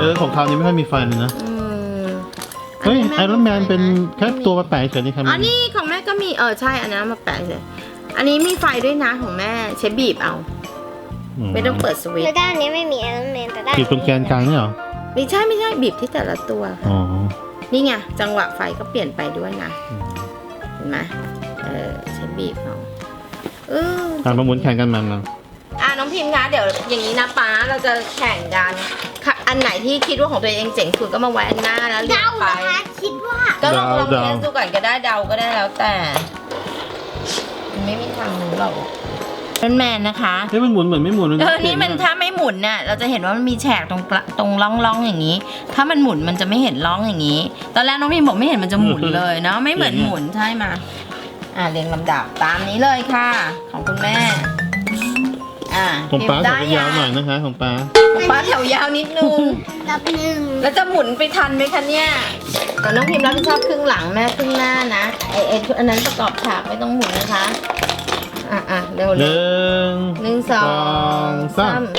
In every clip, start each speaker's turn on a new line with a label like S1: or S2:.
S1: ของเขาวนี้ไม่ค่อยมีไฟเลยนะ
S2: อัน
S1: เฮ้ย
S2: นี้แม่
S1: ไอรอนแมนเป็นแค่ตัวมาแปะเฉยๆนี่ครับ
S2: อ๋อนี่ของแม่ก็มีใช่อันนั้นมาแปะเลยอันนี้มีไฟด้วยนะของแม่ใช้บีบเอาไม่ต้องเปิดสวิต
S3: แต่
S2: ช์
S3: ด้านนี้ไม่มีไอรอนแมนแต่ด้าน
S1: ขีดตรงแกนกลางนี่เหรอ
S2: ไม่ใช่บีบที่แต่ละตัวค่ะ
S1: อ๋อ
S2: นี่ไงจังหวะไฟก็เปลี่ยนไปด้วยนะเห็นไหมใช้บีบเอา
S1: มาหมุนแข่งกันมัน
S2: น้องพิมพ์คะเดี๋ยวอย่างนี้นะป้าเราจะแข่งกันอันไหนที่คิดว่าของตัวเองเจ๋งสุดก็มาไว้อันหน้าแล้วเรีย
S3: เดาง
S2: ไป
S3: นะคะคิดว่า
S2: ก็ลองเทสดูก่อนก็ได้เดาก็ได้แล้วแต่มันไม่มีทางรู้หรอกเป็นแมนนะคะ
S1: เฮ้ยมันหมุนเหมือนไม่หมุน
S2: นี่มันถ้าไม่หมุนน่ะเราจะเห็นว่ามันมีแฉกตรงร่องอย่างนี้ ถ้ามันหมุนมันจะไม่เห็นร่องอย่างนี้ ตอนแรกน้องพิมบอกไม่เห็นมันจะหมุนเลยเนาะไม่เหมือนหมุนใช่มาเรียงลำดับตามนี้เลยค่ะ ของคุณแม่
S1: ของป้าแถวยาวหน่อยนะคะของป้า
S2: ป้าแถวยาวนิดนึง
S3: ดับหนึ่ง
S2: แล้วจะหมุนไปทันไหมคะเนี่ยแต่น้องพิมรับผิดชอบครึ่งหลังแม่ครึ่งหน้านะอันนั้นประกอบฉากไม่ต้องหมุนนะคะเร็ว
S1: หนึ่ง
S2: 1 2
S1: 3
S2: 3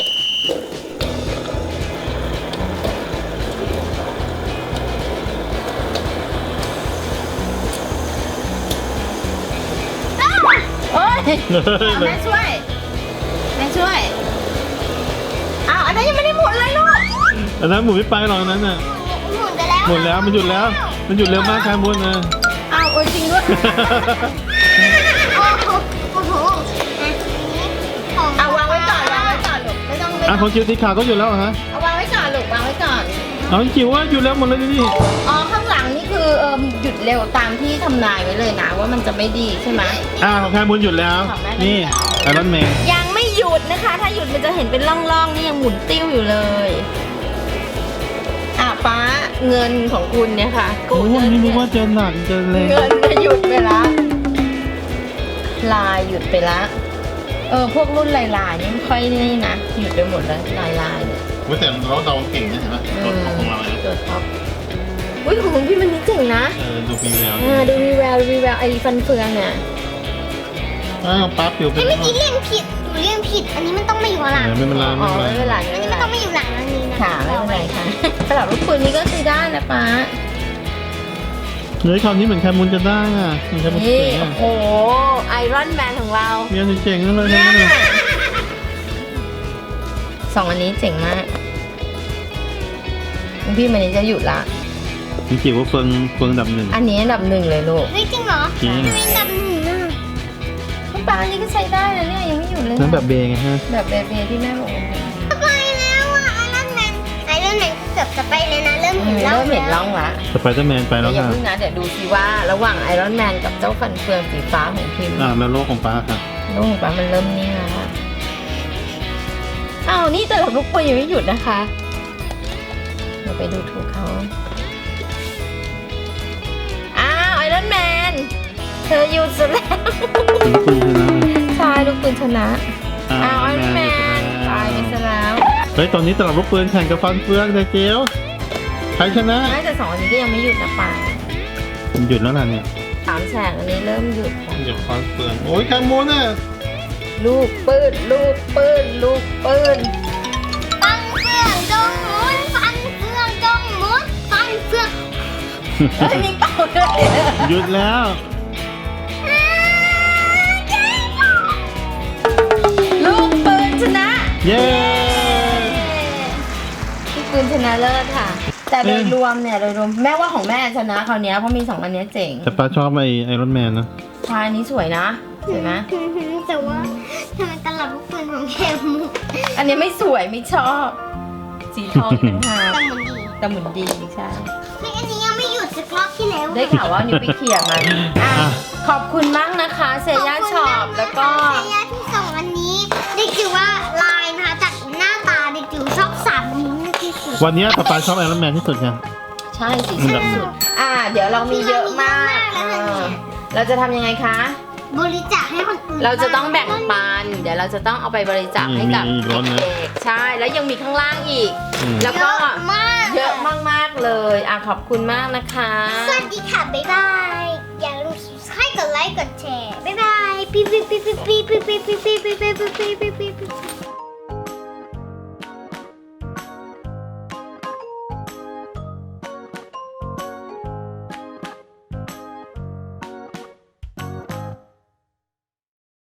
S2: โอ๊ยแม่ช่วยอันนั้นยังไม่ได้หมุนเลยลูก
S1: อันนั้นหมุนไม่ไปหรอกอันนั้นน่ะ
S3: หมุนไปแล้ว
S1: หมุนแล้วมันหยุดแล้วมันหยุดเร็วมากครับมุนนะ
S2: จริงด้วย
S3: โอ้โห
S2: วางไว้ก่อนลูกไม่ต้อง
S1: ของจิ๋วสีขาวก็หยุดแล้วฮะ
S2: เอาวางไว้ก่อนลูกวางไว้ก่อน
S1: เอาจิ๋วว่าหยุดแล้วหมดเลยนี่
S2: ข้างหลังนี่คือหยุดเร็วตามที่ทำนายไว้เลยนะว่ามันจะไม่ดีใช่ไหม
S1: ของแคมุนหยุดแล้วนี่ไอรอนแมน
S2: ยังไม่หยุดนะคะ ถ้าหยุดมันจะเห็นเป็นร่องๆนี่ยังหมุนติ้วอยู่เลยป้าเงินของคุณเนี่ยค่ะ
S1: โอ้ยนี่นึกว่าจะหนักจะแรง
S2: เงินจะหยุดไปละลายหยุดไปละพวกรุ่นลายๆนี่ไม่ค่อยนี่นะหยุดไปหมดแล้วลายเนี่ย
S1: ว่าแต่เราเดาเก่งนะเห็นไหมตัวท็อปของเราเลย
S2: ตัวท็อปของคุณพี่มันนี่เจ๋งนะ
S1: ดูมีแวว
S2: ดูมีแววไอ้ฟันเฟืองเนี่ย
S1: ป้าปิวไป
S3: เมื่อกี้เรียงผิดเรียงผิด อันนี้มันต้องมาอยู่หลัง
S1: ไม่เป็นไร
S2: ไม่เป็นไร
S3: อันนี้มันต้องมาอยู่หลังอันนี้นะ
S2: ค่ะไม่เป็นไรค่ะสำหรับลูกปืนนี้ก็คือได้นะป้า
S1: เฮ้ยคราวนี้เหมือนแคมุนจะได้เหมือนแคมุน
S2: นี่
S1: เจ๋ง
S2: โอ้โหไอรอนแมนของเรา
S1: เมียเจ๋งเลยนะ
S2: สองอันนี้เจ๋งมากพี่มันนี้จะหยุดละ
S1: จริงๆว่าเฟืองดับหนึ่ง
S2: อันนี้อันดับ 1เลยลูก
S3: เฮ้ยจริงเหรอ
S1: จริง
S3: ทำไมดับหนึ่งอ่ะ
S2: คุณป้าอันนี้ก็ใช้ได้นะเนี่ยยังไม่หยุดเลย
S1: นั่นแบบเบงไงฮะ
S2: แบบเบเบที่แม่บอก
S3: ไปแล้วอ่ะไอรอนแมนเกือบจะไปเลยนะเริ่มเห็นร่อง
S2: เริ่มเห็นร่องละ
S1: สไปเดอร์แมนไปแล้ว
S2: อย่า
S1: ค่ะ
S2: เพิ่งนะเดี๋ยวดูสิว่าระหว่างไอรอนแมนกับเจ้าฟันเฟืองสีฟ้าของพิมพ์
S1: แล้วโลกของป้าค่ะ
S2: ลูกของป้ามันเริ่มนิ่งแล้วค่ะนี่แต่ลูกปืนยังไม่หยุดนะคะเราไปดูถูกเขาไอรอนแมนเธอหยุดซะแล้ว
S1: ลูกปืนชนะ
S2: ใช่ลูกปืนชนะไอรอนแมนตายไปซะแล้ว
S1: เฮ้ยตอนนี้ตลับลูกปืนแข่งกับฟันเฟืองแต่เจียวใครชนะ
S2: ไม่แต่สองอันนี้ก็ยังไม่หยุดนะป้า
S1: หยุดแล้วล่ะเนี่ย
S2: 3 แฉกอันนี้เริ่มหยุดค่ะ
S1: หยุดฟันเฟืองโอ้ยแคมุนน่ะ
S2: ลูกปืน
S3: ฟันเฟืองจงหมุนฟันเฟืองจงหมุนฟันเฟือง
S2: มีเป่าด้วย
S1: หยุดแล้ว
S2: ลูกปืนชนะ
S1: เย้
S2: ลูกปืนชนะเลิศค่ะ แต่โดยรวมแม่ว่าของแม่ชนะคราวนี้เพราะมี2อันนี้เจ๋ง
S1: แต่ป้าชอบไอรอนแมนนะ
S2: ชายนี้สวยนะสวยไหม
S3: แต่ว่าทำไมตลับลูกปืนของแคมู
S2: อันนี้ไม่สวยไม่ชอบ สีทองเป็นหา
S3: แต่มันดี
S2: แต่หมุนดีใช่
S3: เฮ้ยอันนี้ยังไม่หยุดสักรอบที่แล้ว
S2: ได้ข่าวว่านิวไปเขี่ยมันขอบคุณมากนะคะเซย่าช็อปแล้วก็
S3: เซย่าที่ส่งอันนี้เด็กจิ๋วว่าลายนะคะจากหน้าตาเด็กจิ๋วชอบ3นิ้วนี่ที่สุด
S1: วันนี้ป้าชอบไอรอนแมนที่สุดค่ะ
S2: ใช่สีสุดเดี๋ยวเรามีเยอะมากเราจะทำยังไงคะ
S3: บริจาคให้คนอื่น
S2: เราจะต้องแบ่งปัน เดี๋ยวเราจะต้องเอาไปบริจาคให้กับ
S1: มีอีกรถนะ
S2: เด็กๆใช่แล้วยังมีข้างล่างอีก แล้ว
S3: เย
S2: ก็
S3: อะมาก
S2: เยอะมากๆเลยขอบคุณมากนะคะ
S3: สวัสดีค่ะ บ๊ายบาย อย่าลืมให้กดไลค์กดแชร์ บ๊ายบาย ปิ๊บปิ๊บปิ๊บปิ๊บปิ๊บปิ๊บปิ๊บปิ๊บปิ๊บปิ๊บปิ๊บปิ๊บ